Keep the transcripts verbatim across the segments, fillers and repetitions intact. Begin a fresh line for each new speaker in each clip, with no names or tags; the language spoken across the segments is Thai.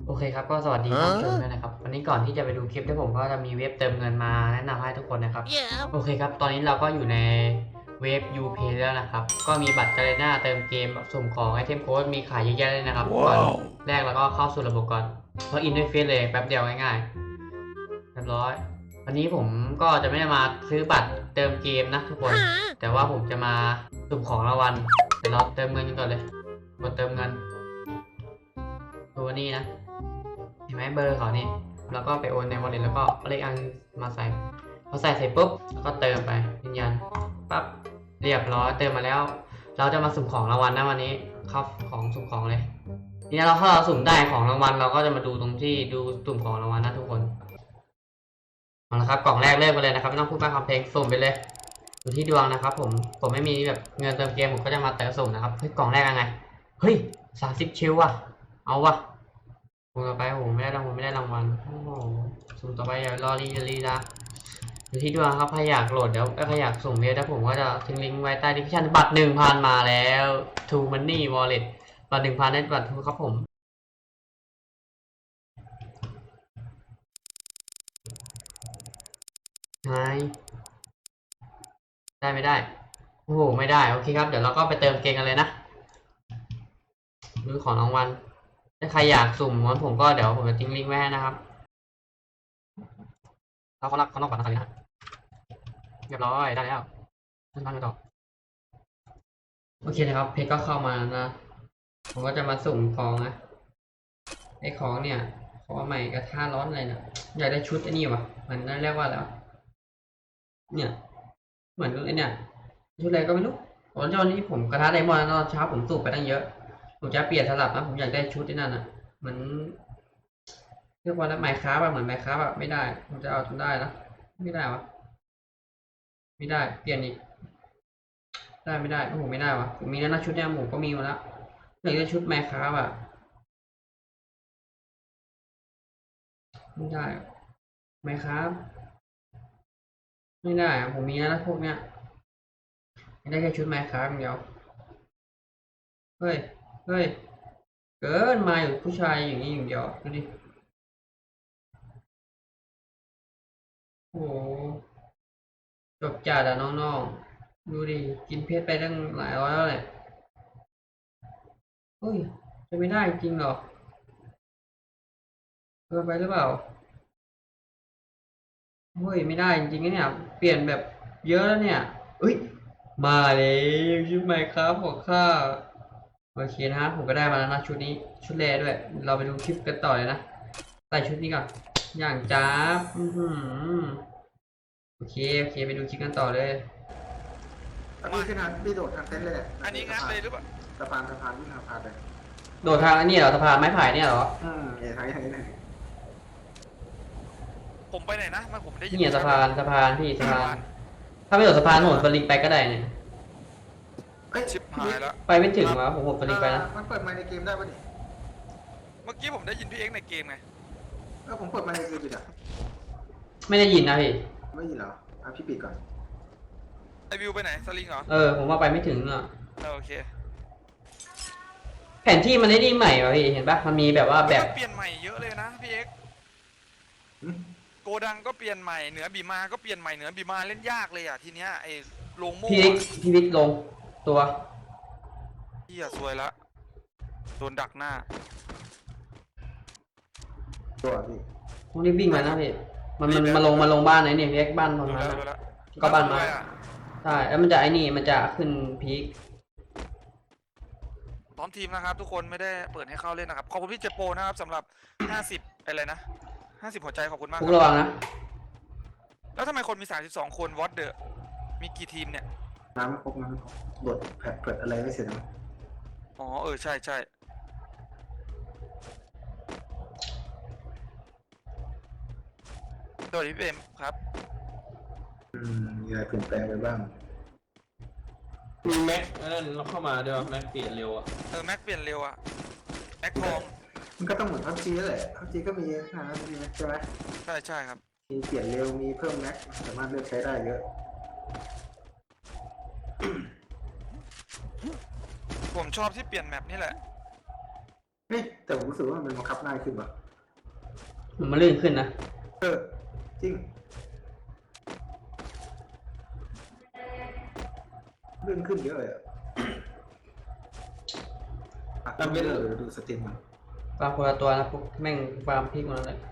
โอเคครับก็สวัสดีท่านผู้ชมด้วยนะครับวันนี้ก่อนที่จะไปดูคลิปที่ผมก็จะมีเว็บเติมเงินมาแนะนำให้ทุกคนนะครับ
Yeah.
โอเคครับตอนนี้เราก็อยู่ในเว็บ ยูเพย์ แล้วนะครับก็มีบัตรกาเลน่าเติมเกมแบบสุ่มของไอเทมโค้ดมีขายเยอะแยะเลยนะครับก่อน
Wow.
แรกเราก็เข้าสู่ระบบก่อนเพราะอินด้วยเฟซเลยแป๊บเดียวง่ายๆเรียบร้อยวันนี้ผมก็จะไม่ได้มาซื้อบัตรเติมเกมนะทุกคนแต่ว่าผมจะมาสุ่มของรางวัลเดี๋ยวเราเติมเงินกันก่อนเลยกดเติมเงินตัวนี้นะเห็นไหมเบอร์เขานี่แล้วก็ไปโอนใน wallet แล้วก็เอาเลขอันมาใส่พอใส่เสร็จปุ๊บแล้วก็เติมไปยืนยันปั๊บเรียบร้อยเติมมาแล้วเราจะมาสุ่มของรางวัลนะวันนี้เข้าของสุ่มของเลยทีนี้เราถ้าเราสุ่มได้ของรางวัลเราก็จะมาดูตรงที่ดูสุ่มของรางวัลนะทุกคนเอาละครับกล่องแรกเริ่มไปเลยนะครับไม่ต้องพูดมากคำเพลงสุ่มไปเลยดูที่ดวงนะครับผมผมไม่มีแบบเงินเติมเกมผมก็จะมาเติมสุ่มนะครับเฮ้ยกล่องแรกยังไงเฮ้ยสามสิบชิลว่ะเอาว่ะสุ่มต่อไปโอ้โหไม่ได้รางวัลไม่ได้รางวัลโอ้โหสุ่มต่อไปอย่ารอรีรีละดูที่ดวงครับใครอยากโหลดเดี๋ยวใครอยากสุ่มเยอะแล้วผมก็จะทิ้งลิงก์ไว้ใต้ดีสคริปชั่นบัตรหนึ่งพันมาแล้วทูมันนี่วอลเล็ตบัตรหนึ่งพันได้บัตรทูครับผมไงได้ไม่ได้โอ้โหไม่ได้โอเคครับเดี๋ยวเราก็ไปเติมเกมกันเลยนะดูของรางวัลถ้าใครอยากสุ่มวันผมก็เดี๋ยวผมจะทิ้งลิงก์ไว้ให้นะครับเราเขารักเขานอกก่อนนะครับเรียบร้อยได้แล้วขึ้นทางไปต่อโอเคนะครับเพจก็เข้ามานะผมก็จะมาสุ่มของนะไอ้ของเนี่ยของใหม่กระทะร้อนอะไรเนี่ยอยากได้ชุดไอ้นี่วะมันนั่นเรียกว่าแล้วเนี่ยเหมือนไอ้เนี่ยชุดอะไรก็ไม่รู้ตอนนี้ผมกระทะไดมอนด์ตอนเช้าผมสูบไปตั้งเยอะผมจะเปลี่ยนสลับนะผมอยากได้ชุดที่นั่นอ่ะเหมือนเรียกว่าแล้วไมค์คราฟอะเหมือนไมค์คราฟอะไม่ได้ผมจะเอาจนได้นะไม่ได้วะไม่ได้เปลี่ยนอีกได้ไม่ได้โอ้โหไม่ได้วะผมมีแล้วนะชุดเนี่ยผมก็มีมาแล้วอยากได้ชุดไมค์คราฟอะไม่ได้ไมค์คราฟไม่ได้อะผมมีแล้วนะพวกเนี้ยไม่ได้แค่ชุดไมค์คราฟอย่างเดียวเฮ้ยเฮ้ยเกินมาอยู่ผู้ชายอย่างนี้อย่างเดียวดูดิโอ้โหจบจัดอะน้องๆดูดิกินเพชรไปตั้งหลายร้อยแล้วแหละเฮ้ยจะไม่ได้จริงเหรอเกินไปหรือเปล่าเฮ้ยไม่ได้จริงๆนะเนี่ยเปลี่ยนแบบเยอะแล้วเนี่ยเอ้ยมาเลยชุดใหม่ครับของข้าโอเคนะฮะผมก็ได้มาแล้วนะชุดนี้ชุดแรด้วยเราไปดูคลิปกันต่อเลยนะใส่ชุดนี้ก่อนอย่างจ้าบอือหือโอเคโอเคไปดูคลิปกันต่อเลย
แล้วพี่ขึ้นทางพี่โดดทางเต็นท์เลยแหละ
อันนี้งัดเลยหรือเปล่า
สะพานสะพานวิ่งทางสะพานเลย
โดดทางอันนี้เหรอสะพานไม้ไผ่เนี่ยเหรอ
อืมเอ๋ทางนี้ทางนี้ทางนี้
ผมไปไหนนะไมันผมได้ยิน
เนี่ยสะพานสะพานพี่สะพานถ้าไม่โดดสะพานโหดสลิงไปก็ได้เนี่ย
เอ้ย
ชิบหายแล้ว
ไปไม่ถึงวะผมโหดสลิงไปนะ
มันเปิดไมค์ในเกมได้ปะนี่
เมื่อกี้ผมได้ยินพี่เอ็กซ์ในเกมไง
เออผมเปิดไมค์ในเกมอยู่อ่ะ
ไม่ได้ยินนะพี่
ไม่ยินเหรออ่ะพี่ปิดก่อน
ไอวิวไปไหนสลิงเหรอ
เออผมว่าไปไม่ถึงอ่ะ
เออโอเค
แผนที่มันได้ดีใหม่ป่ะพี่เห็นปะมันมีแบบว่าแบบ
เปลี่ยนใหม่เยอะเลยนะพี่เอ็กซ์
หึ
โกดังก็เปลี่ยนใหม่เหนือบีมาก็เปลี่ยนใหม่เหนือบีมาเล่นยากเลยอ่ะทีเนี้ยไอโลงโม่
พี่วิกพี่วิกลงตัว
พี่อะซวยละโดนดักหน้า
ตัวพี่
ต้องรีบวิ่งมานะพี่มันมันมาลงมาลงบ้านไหนเนี่ยพี่เอ็กบ้านตรง
ดู
นั้น
แล้ว
อะ
ดูแล้ว
ก็บ้านไม้
ด้วยอะ
ใช่แล้วมันจะไอ้นี่มันจะขึ้นพีค
พร้อมทีมนะครับทุกคนไม่ได้เปิดให้เข้าเล่นนะครับขอบคุณพี่เจโปนะครับสำหรับห้าสิบอะไรนะห้าสิบหัวใจขอบคุณมาก
พว
ค
ก
รับ
ระวังนะ
แล้วทำไมคนมีสามสิบสองคนวอตเดอะมีกี่ทีมเนี่ย
น้ำไม่ครบน้ำไม่ครบโดดแผดเปิดอะไรไม่เสร็จนะ
อ๋อเออใช่ใช่สวัสดีพี่เอ็มครับ
อืมมีอะไรเปลี่ยนแปลงไปบ้าง
มีแม็กนั่นเราเข้ามาด้วยวะแม็กเปลี่ยนเร็วอ่ะ
เออแม็กเปลี่ยนเร็วอะแม็กทอง
มันก็ต้องเหมือนพับจีแหละพับจีก็มีขนาดนั้นมีใช่ไหม
ใช่ใช่ครับ
มีเปลี่ยนเร็วมีเพิ่มแม็กสามารถเลือกใช้ได้เยอะ
ผมชอบที่เปลี่ยนแมปนี่แหละ
เฮ้ยแต่ผมรู้สึกว่ามันบังคับง่ายขึ้นว่ะ
มันลื่นขึ้นนะ
เออจริงเลื่อนขึ้นเยอะเลยอ่ะอ่ะไม่เลยดูสตรีมมัน
ฟาร์มคนละตัวนะพวกแม่งฟาร์มพริกหมดเลย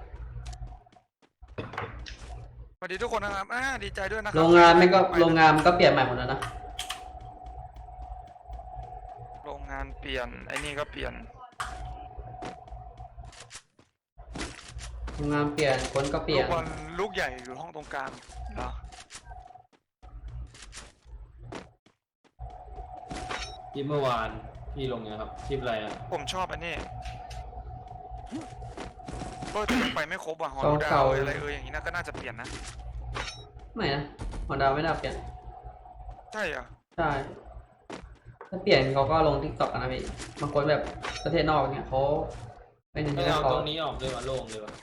สวัสดีทุกคนนะครับอ่าดีใจด้วยนะครั
โรงงานแม่งก็โรงงานมันก็เปลี่ยนใหม่หมดแล้วนะ
โรงงานเปลี่ยนไอ้นี่ก็เปลี่ยน
โรงงานเปลี่ยนคนก็เปลี่ย
ลู
น
กบอลลูกใหญ่อยู่ห้องตรงกลางเหรอ
คลิปเมื่อวานพี่ลงเนี่ยครับคลิปอะไรอ่ะ
ผมชอบอันนี้เออแต่ยังไปไม่ครบอ่ะฮอ
เก่า
ลดา
เก่า
วอะไรเอออย่างนี้น่าก็น่าจะเปลี่ยนนะ
ไม่นะฮอนดาไม่ได้เปลี่ยน
ใช่เหรอ
ใช่ถ้าเปลี่ยนเขาก็ลงทิกตอกกันนะพี่บางคนแบบประเทศนอกเนี่ยเขาไม่เน้น
ไม่
เรื่อง
เอา
เขา
ตรงนี้ออกเลยว่ะโล่งเลยว่ะ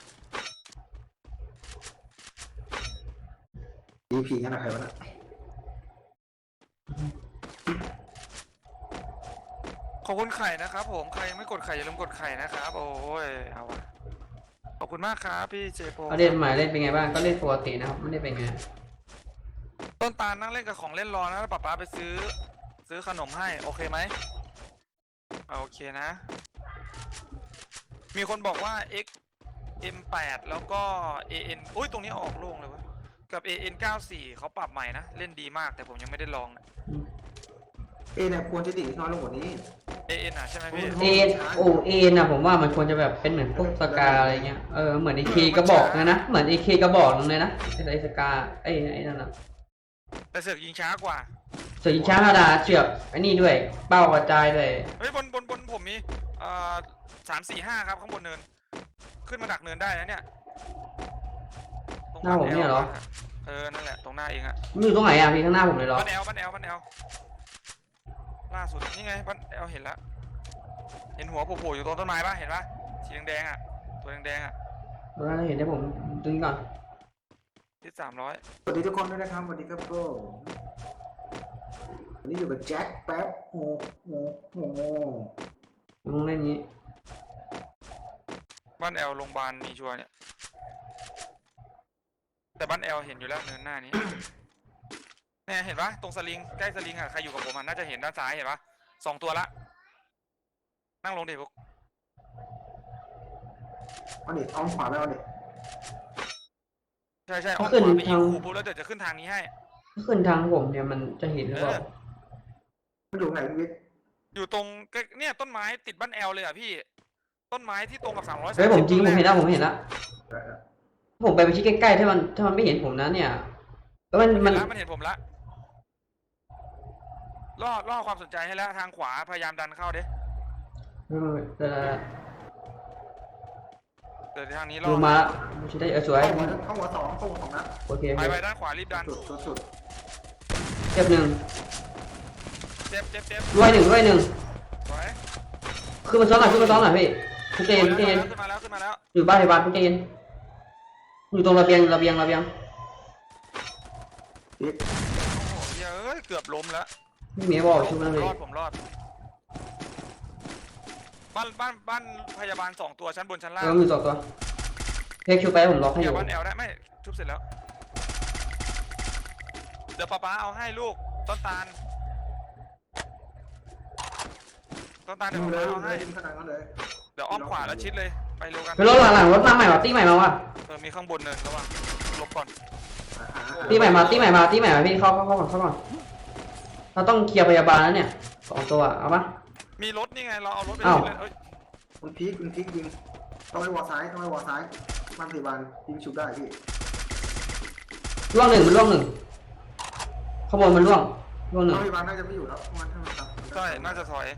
ดีพีงั้นนะใครวะน่ะ
ขอบคุณไข่นะครับผมใครยังไม่กดไข่อย่าลืมกดไข่นะครับโอ้ยเอาวะขอบคุณมากครับพี่เจโป
เขาเล่นใหม่เล่นเป็นไงบ้างก็เล่นปกตินะครับไม่ได้เป็นไง
ต้นตาลนั่งเล่นกับของเล่นรอนะแล้วป๊าป๊าไปซื้อ ซื้อขนมให้โอเคไหมโอเคนะ มีคนบอกว่า X เอ็ม แปด แล้วก็ เอ เอ็น อุ้ยตรงนี้ออกโล่งเลยวะกับ เอ เอ็น เก้าสิบสี่ เขาปรับใหม่นะเล่นดีมากแต่ผมยังไม่ได้ลองนะ
เอเนี่ยควรจะดีดน้อยลงกว่านี้
เอ เอ็น อ่ะใช่ไหมพี่
เอ็นโอเอ็นนะผมว่ามันควรจะแบบเป็นเหมือนพวกสกาอะไรเงี้ยเออเหมือนไอเคกระบอกนะนะเหมือนไอเคกระบอกนึงเลยนะไอไอสกาไอไอนั่นนะ
แต่เสือกยิงช้ากว่า
ส่วนยิงช้าธรรมดาเชือกไอนี่ด้วยเป้ากระจายด้วย
เฮ้ยบนบนบนผมมีเอ่อสามสี่ห้าครับข้างบนเนิน ขึ้นมาดักเนินได้นะเนี่ยตรง
หน้าผมเนี่ยเหรอ
เออนั่นแหละตรงหน้าเองอะ
มันอยู่ตรงไหนอ่ะพี่ข้างหน้าผมเลยเหรอ
บ้านแอลบ้านแอลบ้านแอลล่าสุดนี่ไงบ้านแอลเห็นแล้วเห็นหัวโผล่ๆอยู่ตรงต้นไม้ปะเห็นปะสีแดงๆอะตัวแดงๆอะ
ตอนนั้นเห็นได้ผมดึงก่อน
ที่สามร้อย
สวัสดีทุกคนด้วยนะครับสวัสดีครับโก้วันนี้อยู่กับแจ็คแป๊บโอ้โหโอ้โห
ผมต้องเล่นนี้
บ้านแอลโรงพยาบาลมีชัวร์เนี่ยแต่บ้านแอลเห็นอยู่แล้วเนินหน้านี้ เนี่ยเห็นปะตรงสลิงใกล้สลิงอะใครอยู่กับผมอะน่าจะเห็นด้านซ้ายเห็นปะสองตัวละนั่งลงดิพวก
เอาดิเอาขวาไปเอาดิ
ใช่ใช่อ้อมขวาไปยิงขู่ปุ๊บแล้วเดี๋ยวจะขึ้นทางนี้ให้
ถ้าขึ้นทางผมเนี่ยมันจะเห็นหรือเปล่า
มันอยู่ไหนวิทย์
อยู่ตรงใกล้เนี่ยต้นไม้ติดบ้านแอลเลยอ่ะพี่ ต้นไม้ที่ตรงกับสามร้อย
เฮ้ยผมจริงผมเห็นแล้วผมเห็นแล้ว
ได้แล้ว
ผมไปไปชี้ใกล้ๆถ้ามันถ้ามันไม่เห็นผมนะเนี่ยแล้วมัน
มั
มัน น
ละมันเห็นผมละล่อล่อความสนใจให้แล้วทางขวาพยายามดันเข้าเด้
เออเออ
เดี๋ยวทางนี้ล่อ
ลงมาไม่ใช่ได้เออสวย
เข้าหัวเข้าหัวสองเข้าหัวสองนัด
โอเค
ไปไปด้านขวารีบดัน
สุดสุดสุด
เจ็บหนึ่ง
เจ็บเจ็บเจ็บ
ด้วยหนึ่งด้วยหนึ่ง
สวย
ขึ้นมาซ้อนหน่อยขึ้นมาซ้อนหน่อยพี่ทุกเจนทุกเจน
ขึ้นมาแล้วขึ้นมาแล้ว
อยู่บ้านพยาบาลทุกเจนอยู่ตรงระเบียงระเบียงระเบียง
วิทย์
โอ้โหเฮ้ยเกือบล้มแล้ว
ไม่มีบอกชุบ
ผ
นั่น
ม
เลย
รอดผมรอดบ้านบ้านบ้านพยาบาลสองตัวชั้นบนชั้นล่าง
แล้วมีสองตัวเพกชุบไปผมล็อกให้อ
เดี๋ยว
ยู่
บ้านแอลได้ไม่ชุบเสร็จแล้ว เดี๋ยวป๊าป๊าเอาให้ลูกต้นตาลต้นตาลเดี๋ยว
ดู
ป๊า
เลย
ป๊าเอา
เล
ให้
ยดิมขนาดนั้นเลย
เดี๋ยวอ้อมขวาแล้วชิดเลยไปเร็วกัน
ไปรถหลังๆรถมาใหม่ว่ะตีใหม่มาว่ะ
เออมีข้างบนเนินระวังลบก่อน
อ่าอ่าอ่า
ตีใหม่มาตีใหม่มาตีใหม่มาพี่เข้าเข้าเข้าก่อนเข้าก่อนเราต้องเคลียร์พยาบาลแล้วเนี่ยสองตัวเอาปะ
มีรถนี่ไงเราเอารถไป
อ้าว
เลยเอ้ย
คุณพีคคุณพีคยิงต้องไปวอซ้ายต้องไปวอซ้ายบ้านพยาบาลยิงชุบได้พี่
ล่วงหนึ่งมันล่วงหนึ่งขบวนมันล่วงล่วงหนึ่
บ้าง นพยาบาลน่าจะไม่อยู่แล้วมันถ้ามันทำ
ใช่น่าจะถอย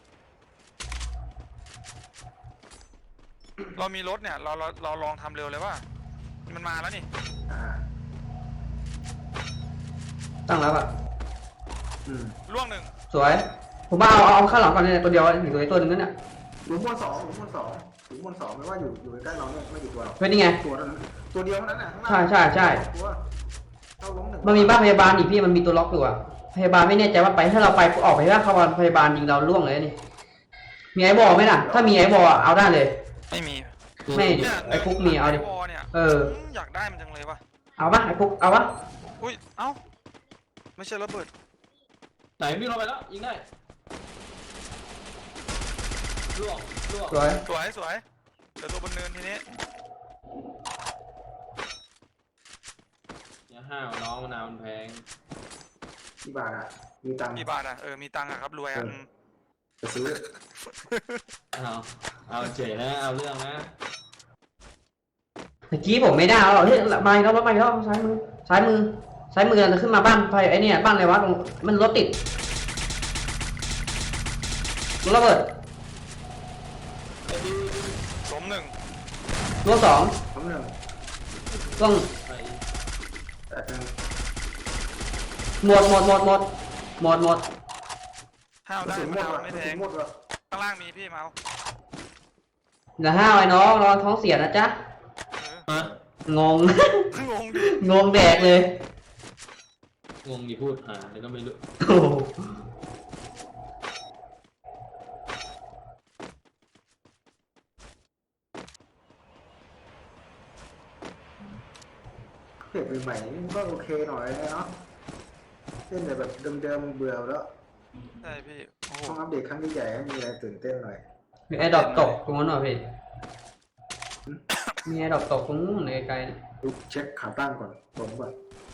เรามีรถเนี่ยเราเราเราลองทำเร็วเลยว่ามันมาแล้วนี่
อ่า
ตั้งแล้วอะ
อืม
ล่วงหนึ่ง
สวยผมมาเอาเอาข้างหลังก่อนเนี่ยตัวเดียวอยู่ตัวตัวหนึ่งนั่นเนี่ย
หลุมบนสองหลุมบนสองหลุมบนสองไม่ว่าอยู่อยู่ใกล้เราเนี่ยไม่กี่ตัวหรอก
เป็นยังไง
ตัวนั้นตัวเดียวเท่านั้นน่ะข้างล่าง
ใช่ใช่ใช่
ตัวเข้าล้มหนึ่ง
มันมีบ้านพยาบาลอีกพี่มันมีตัวล็อกอยู่อะพยาบาลไม่แน่ใจว่าไปถ้าเราไปออกไปว่าเข้าบ้านพยาบาลยิงเราล่วงเลยนี่มีไอ้บอลไหมล่ะถ้ามีไอ้บอลอะเอาได้เลย
ไม่มี
ไม่
เนี่ย
ไอ้คุกมีเอาดิ
วอลเนี่ย
เออ
มอยากได้มันจังเลยวะ
เอาปะไอ้คุกเอาปะ
อุ้ยเอ้าไม่ใช่ระเบิด
ไหนวิ่งลงไปแล้วยิงได้ล่วงล่วง
สวย
สวยสวยเดี๋ยวตัวบนเนินทีนี้
อย่าห้าวน้องมะนาวมันแพง
ที่บาทอ่ะมีตังค์
กี่บาทอ่ะเออมีตังค์อ่ะครับรวยอ่ะ
เออ
อืม
จะซื้อ
เอาเอาเจ๋นะเอาเรื่องนะ
เมื่อกี้ผมไม่ได้เอาหรอกเฮ้ยมาอีกแล้วมาอีกแล้วซ้ายมือซ้ายมือซ้ายมือจะขึ้นมาบ้านไฟไอ้เนี่ยบ้านอะไรวะตรงมันรถติดรถระเบิด
ล้มหนึ่ง
รถสอง
คำหนึ่ง
ต้อง
ไป
แต่เป็น
หมดหมดหมดหมดหมดหมด
ห้าว
กระ
ได้
สุนหม
ไม่
ด
เอา
ว่ะ
ไม่
กระ
แท
สุ
ง
นหมดว่ะ
ข้างล่างมีพี่เมาส์
อย่าห้าวไอ้น้องระวังท้องเสียนะจ๊ะ
เอ
ฮะ
งง
องงดิ
งงแดกเลย
งงดิพูดหาแล้วก็ไม่รู้
โอ้โห
เพจใหม่ๆนี่ก็โอเคหน่อยนะเนาะเล่นแต่แบบเดิมๆเบื่อแล้ว
ใช่พี่โอ้โห
ต้องอัปเดตครั้งใหญ่ๆให้มีอะไรตื่นเต้นหน่อย
มีไอ้ดอกตกตรงนั้นเหรอพี่มีไอ้ดอกตกตรงนู้นไกลๆเนี่ย
ดูเช็คขาตั้งก่อนผมก่อน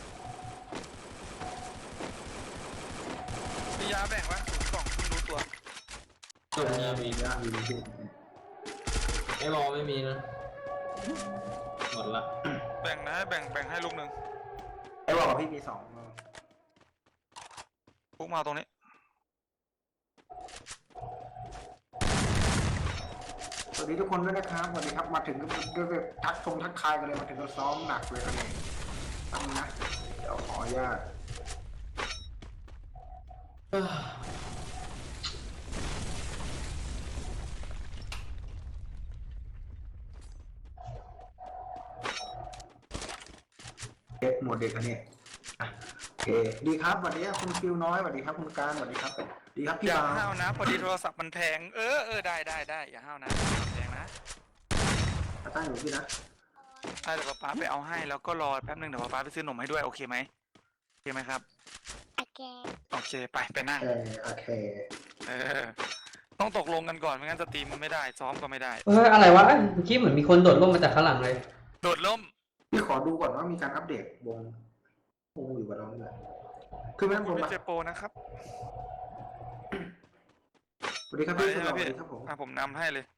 มียาแบ่งวะศูนย์กล่องเพิ่งรู้ตัว
ตรงนี้มี
ยากมีที่
ไอ้บอลไม่มีนะหมดละ
แบ่งนะแบ่งแบ่งให้ลูกหนึ่ง
ไอ้บอกพี่มีสอง
พวกมาตรงนี้
สวัสดีทุกคนด้วยนะครับสวัสดีครับมาถึงก็ก็แบบทักทงทักทายกันเลยมาถึงก็ซ้อมหนักเลยกันเลยตั้งนะเดี๋ยวขออนุญาต
เอ้อ
เด็กหมดเด็กอันนี้อ่ะโอเคดีครับสวัสดีครับคุณฟิวน้อยสวัสดีครับคุณการสวัสดีครับดีครับพี่
อย่า
บาว
ห้าวนะ พอดีโทรศัพท์มันแพงเออเออได้ได้ได้อย่าห้าวนะแพงนะ
มาตั้งอยู่พี่นะ
ใช่เดี๋ยวป๊าป๊าไปเอาให้แล้วก็รอแป๊บนึงเดี๋ยวป๊าป๊าไปซื้อนมให้ด้วยโอเคไหมโอเคไหมครับ
โอเค
โอเคไปไปนั่ง
เออโอเค
เออต้องตกลงกันก่อนไม่งั้นสตรีมมันไม่ได้ซ้อมก็ไม่ได้
เฮ้ยอะไรวะเอ้ยเมื่อกี้เหมือนมีคนโดดร่มมาจากข้างหลังเลย
โดดล่ม
พี่ขอดูก่อนว่ามีการอัปเดตวงวงอยู่กับเราเนี่ยคือแม่
คุ
ผ
ณ
ม
ไม่
มา
เจอโปรนะครับ
สวัสดีครับ
ไป
พี่
ใช่
ส
ไหม
วัส
พี่
ดีครับผม
อ่ะผมนำให้เลย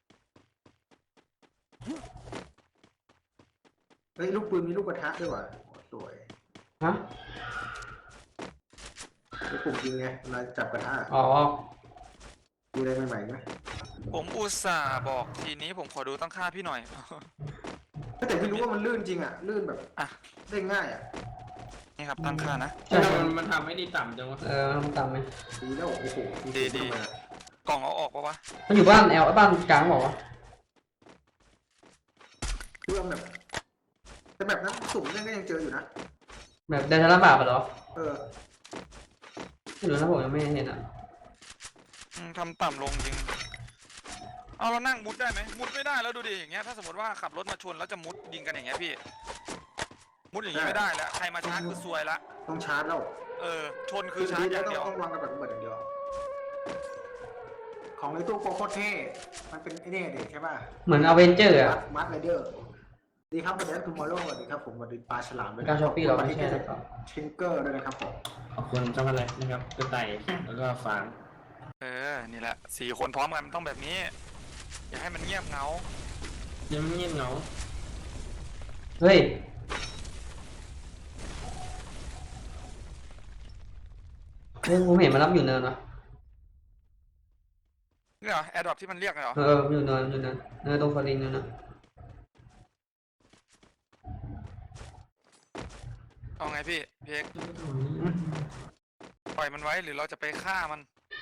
เฮ้ยลูกปืนมีลูกกระทะด้วยว่ะโอ้สวย
ฮะ
ไอ้ปุ่มยิงไงเวลาจับกระทะ
อ๋อ
มีอะไรใหม่ๆไหม
ผมอุตส่าห์บอกทีนี้ผมขอดูตั้งค่าพี่หน่อย
แต่พี่รู้ว่ามันลื่นจริงอ่ะลื่นแบบ
อ่ะ
ได้ง่ายอ่ะ
นี่ครับตั้งค่านะ
ใช่
ทำไมมันมันทำไม่ได้ต่ำจังวะ
เออทำตามไหม
ดีแล้วโอ้โห
ดีดี
ทำไมอะ
กล่องเอาออกปะวะ
มันอยู่บ้านแอลบ้านกลางบอกว่า
คือว่าแบบแต่แบบนั้นสุ่มเนี่ยก็ยังเจออยู่นะ
แบบเดินทางลำบากปะเหรอ
เออ
ไม่รู้นะผมยังไม่เห็นอ่ะ
อืมทำต่ำลงจริงเอาเรานั่งมุดได้ไหมมุดไม่ได้แล้วดูดิอย่างเงี้ยถ้าสมมติว่าขับรถมาชนแล้วจะมุดยิงกันอย่างเงี้ยพี่ มุดอย่างงี้ไม่ได้แล้วใครมาชาร์จคือซวยละ
ต้องชาร์จแล้ว
เออชนคือชาร์จอย่าง
ต้อ
เดี
ง
ยว
ต้องวางกับแบบเบิดอย่างเดียว ของในตู้โคโคเท่มันเป็นไอ้นี่เด็กใช่ป่ะ
เหมือนอเวนเจอร์
มั
อ่ะ
ดมัดไรเดอร์ดีครับวันนี้ทูมอร์โลสวัสดีครับผมสวัสดีปลาฉลามด้วย
การช้อปปี้เราไม่ใช่
เล
นะครับ
ทิงเกอร์ด้วยนะครับผม
ขอบคุณช็อกโกแลตนะครับกระต่ายแล้วก็ฟาง
เออนี่แหละสี่คนพร้อมกันมันต้องแบบนี้ อย่าให้มันเงียบเหงา
ยังไม่เงียบเหงา
เฮ้ยเฮ้ยผมเห็นมันรับอยู่เนินวะ
เนี่ยเหรอแอร์ดรอปที่มันเรียกเหรอ
เออมันอยู่เนินอยู่เนินเนินตรงฟารินเนินนะ
เอาไงพี่เพียกปล่อยมันไว้หรือเราจะไปฆ่ามัน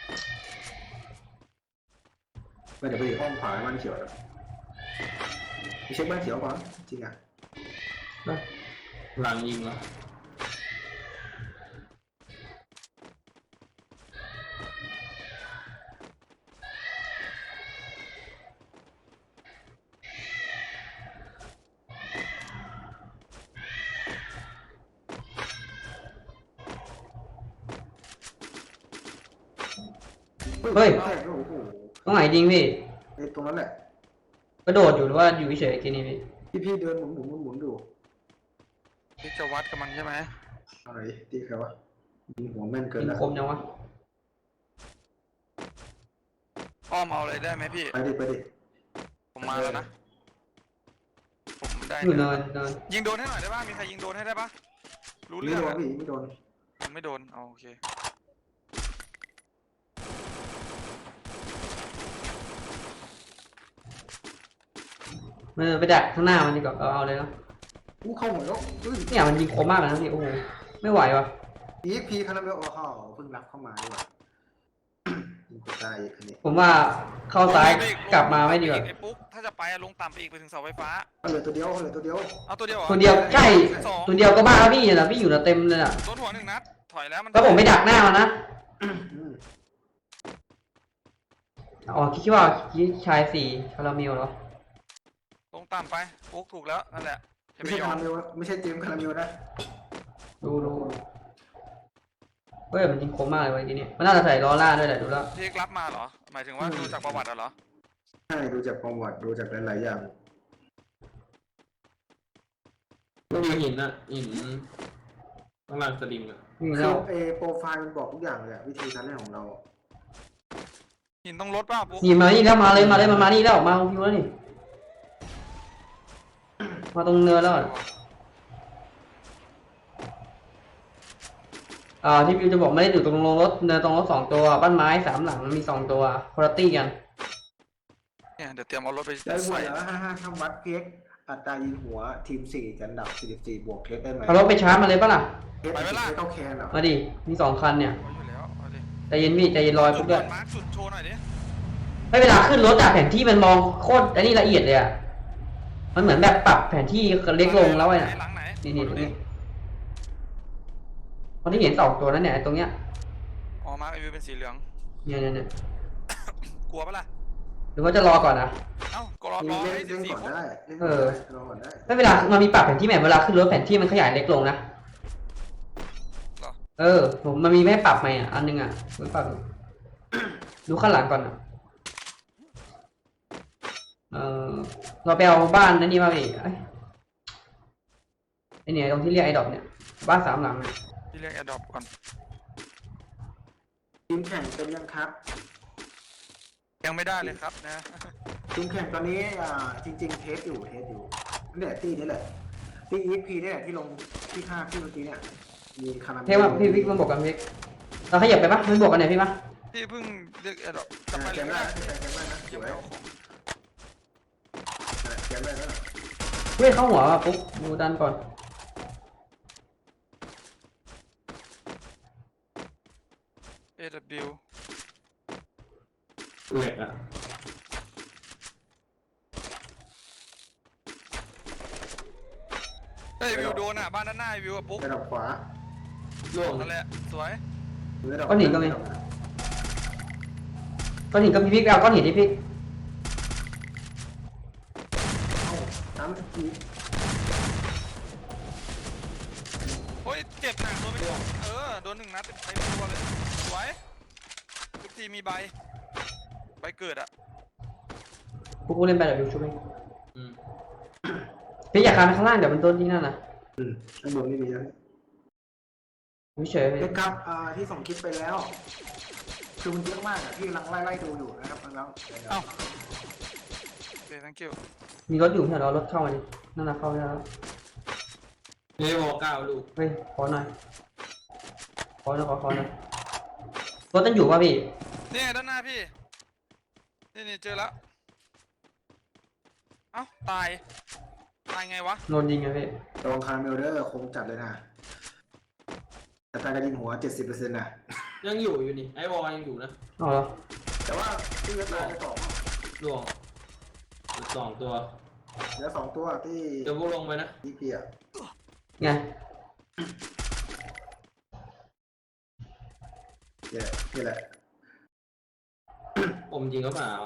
ไม่เดี๋ยวไปอยู่ห้องขวาบ้านเขียวนะไปเช็คบ้านเขียวก่อนจริงอ่ะ
หลังยิงเหรอ
เฮ้ย
แตกแล้วโอ้โห
ตรงไหนจริงพี่
ไอ้ตรงนั้นแหละ
กระโดดอยู่หรือว่าอยู่เฉยๆกินนี่พี่
ที่พี่เดินหมุนหมุนหมุนหมุนอยู่
นี่จะวัดกับมันใช่ไหม
อะไรตีใครวะยิงหัวแม่นเกิน
ยิง
แล้ว
คมจังวะ
อ้อมเอาเลยได้ไหมพี่
ไปดิไปดิ
ผมมาแล้วนะผมได้
อยู่เนินเนิน
ยิงโดนให้หน่อยได้ป่ะมีใครยิงโดนให้ได้ป่ะรู้
ไม่
เรื่อง
โดน
อะ
พี่ไม่โดน
ผมไม่โดนเอาโอเค
เออไปดักข้างหน้ามันดีกว่าเอาเอาเลยเนาะ
อู้เข้าหมดแล้วอุ้ย
เนี่ยมันยิงคมมากเลยนะพี่โอ้โหไม่ไหววะ
อีพีคาราเมลโอ้โหเพิ่งรับเข้ามาด้วย ยิงกูตายอีกคันนี้
ผมว่าเข้าซ้ายกลับมาไม่ดีกว่า
ไอ้ปุ๊กถ้าจะไปอะลงต่ำไปอีกไปถึงเสาไฟฟ้า
เอาเหลือตัวเดียวเอาเหลือตัวเดียว
เอาตัวเดียวหรอ
ตัวเดียวใช่
สอง
ตัวเดียวก็บ้าแล้วพี่นะพี่อยู่นะเต็มเลยอ่ะ
โดนหัวหนึ่งนัดถอยแล้วมัน
แล้วผมไปดักหน้ามันนะ
อืม
อ๋อคิดว่าคิดชายสี่คาราเมลเหรอ
ลงต่ำไปปุ๊กถูกแล้วนั่นแหละจะ
ไม่
ไม่
ใช่
ยอ
คาม ราเมลไม่ใช่เจมส์คาราเมลนะ
ดูดูเฮ้ยมันยิงคมมากเลยวันนี้มันน่าจะใส่ล้อล่าด้วยแหละดูแล้ว
ที่รับมาเหรอหมายถึงว่าดูจากประวัติอะเหรอ
ใช่ดูจากประวัติดูจากหลายๆอย่าง
ต้องมีหินอะหินข้างล่างสลิมอะ
วิ่ง
คื
แล้
อ
ว
เอโปรไฟล์มันบอกทุกอย่างเลยอะวิธีการเล่นของเรา
หินต้องลดป่ะปุ๊ก
นี่มานี่แล้วมาเลยมาเลยมันมานี่แล้วมาพิวแล้วนี่มาตรงเนินแล้วอะอ่าที่พิวจะบอกไม่ได้อยู่ตรงลงรถเนินตรงรถสองตัวบ้านไม้สามหลังมีสองตัวคุณภาพกัน
เนี่ยเดี๋ยวเตรียมเอารถไป
ได้หม
ใส่
ดแล้วห้าห้าทำวัดเพียกอัตรายิงหัวทีมสี่จันดับสี่สิบสี่บวกเทสได้ไหม
เอารถไปชาร์จมาเลยปะล่ะ
เทสไม่ต้องแคนเหรอ
มาดิมีสองคันเนี่ย
เอาอยู่แล้วเอาดิ
ใจเย็นพี่ใจเย็นลอย
จุ
ปุ๊
ด
บด้วย
มาร์คจุดโชว์หน่อยดิ
ไม่เวลาขึ้นรถอะแผนที่มันมองโคตรอันนี้ละเอียดเลยอะมันเหมือนแบบปรับแผนที่เล็กลงแล้วไอ้น่ะ
หลังไหน
นี่นี่
ดู
ตรง
ดิ
นี้คนที่เห็นสองตัวนั้นเนี่ยไอ้ตรงเนี้ย
อ๋อมาร์คไอวิวเป็นสีเหลือง
เนี่ยเนี่ยเนี่ย
กลัวปะล่ะ
หรือว่าจะรอก่อนนะ
เอ้าก็รอร
เล่
อน ให้สิ
เล่
บ
น
สี่
ก่อน
คน
ได้เล่น
เอ
ก่อน
อ
ได้รอก่อนได้
ไม่เวลามันมีปรับแผนที่แมพเวลาขึ้นรถแผนที่มันขยายเล็กลงนะ
เหรอ
เออผมมันมีไม่ให้ปรับไหมอ่ะอันนึงอ่ะผมปรับอยู่ ดูข้างหลังก่อนอ่ะเออเราไปเอาบ้านนั่นนี่มาดิไอ้ไอ้เนี่ยตรงที่เรียกไอ้ดอกเนี่ยบ้านสามหลังเนี่ย
พี่เรียกแอดดอปก่อน
ทีมแข่งเป็นยังครับ
ยังไม่ได้เลยครับนะ
ทีมแข่งตอนนี้อ่าจริง ๆ เทสอยู่เทสอยู่เนี่ยตีนี่แหละตีอีพีนี่แหละที่ลงที่ห้าที่เมื่อกี้เนี่ยมีคาราเมล
เทว่าพี่วิกมันบอกกันวิกเราขยับไปปะมันบอกกันไหนพี่ปะ
พี่เพิ่งเรียกแอดดอปก
แก
ลับไป
ม
เลยก็
ได้
ได้
แกมได้นะส
ยัง
ว
ไม่
ย
เอาของ
แกมได้แล้ว
เฮ้ยเข้าหัวว่ะปุ๊บดูดันก่อน
เอว
เหล็กอะ
เฮ้ยวิวโดนอ่ะบ้านด้านหน้าวิวอ่ะปุ๊ก
ระดับขวา
ล่วง
นั่นแหละสวย
ก้อนหินก็มีก้อนหินก็มีพี่ไปเอาก้อนหินดิพี่
น้ำที
โอ้ยเจ็บหนักโดนไปสองเออโดนหนึ่งนัดเต็มเต็มตัวเลยสวยทุกทีมีใบใบเกิดอ่ะ
ปุ๊บกูเล่นไปเดี๋ยวดูช่วย
อืม
พี่อยากคานไปข้างล่างเดี๋ยวมันโดนที่นั่นนะ
อืมข้างบนไม่มีแล้ว
เฉยๆพี่
เล็กครับอ่าที่ส่งคลิปไปแล้วคือมันเยอะมากอ่ะที่กำลังไล่ไล่ดูอยู่นะครับน้อง
เอ้าโอเค thank you
มีรถอยู่แถวเรารถเข้ามาดินั่นนะเข้าได้แล้ว
เนวอเก้าลูก
เฮ้ยขอหน่อยขอหน่อยขอขอหน่อยรถต้องอยู่ป่ะพี่
นี่ไงด้านหน้าพี่นี่นี่เจอแล้วเอ้าตายตายไงวะ
โดนยิงไงพี่
ตรงคาร์เมลเดอร์คงจัดเลยนะแต่การกระยิงหัวเจ็ดสิบเปอร์เซ็นต์นะ
ยังอยู่อยู่นี่ไอ้วอยังอยู่นะ
เอาเหรอ
แต่ว่าที่เหลือตายไปสอง
ล่วงสองตัว
เหลือสองตัวที่
เดี๋ยวพวกลงไปนะ
ที่เพีย
ไง
เนี่ยนี่แหละ
ผมยิงก็เปล่า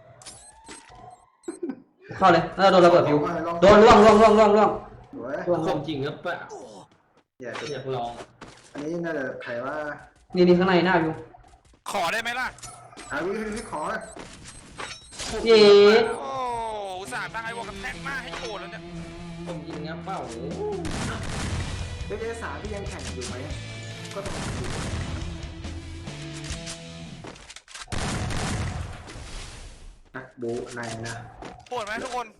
เข้าเลยแล้วโดนระเบิดฟิวโดนล่วงล่วงล่วงล่วงล่วง
สวย
ล่วง
ผ
ล่วง
มจริงก็เปล่า
เนี่ย
อยากลอง
อันนี้น่าจะใครว่า
นี่นี่ข้างในหน้าฟิว
ขอได้ไหมล่ะ
อาวิพี่ขอ
เย้
โอ้อุตส่าห์ตั้งไอ้วอลกันแทกหน้าให้โกรธแล้วเนี่ย
ผมยิงงับเป้าโอ้โห
เอสามที่ยังแข่งอยู่ไหมก็ต้องดูนักบูในนะ
โหดไหมทุกคน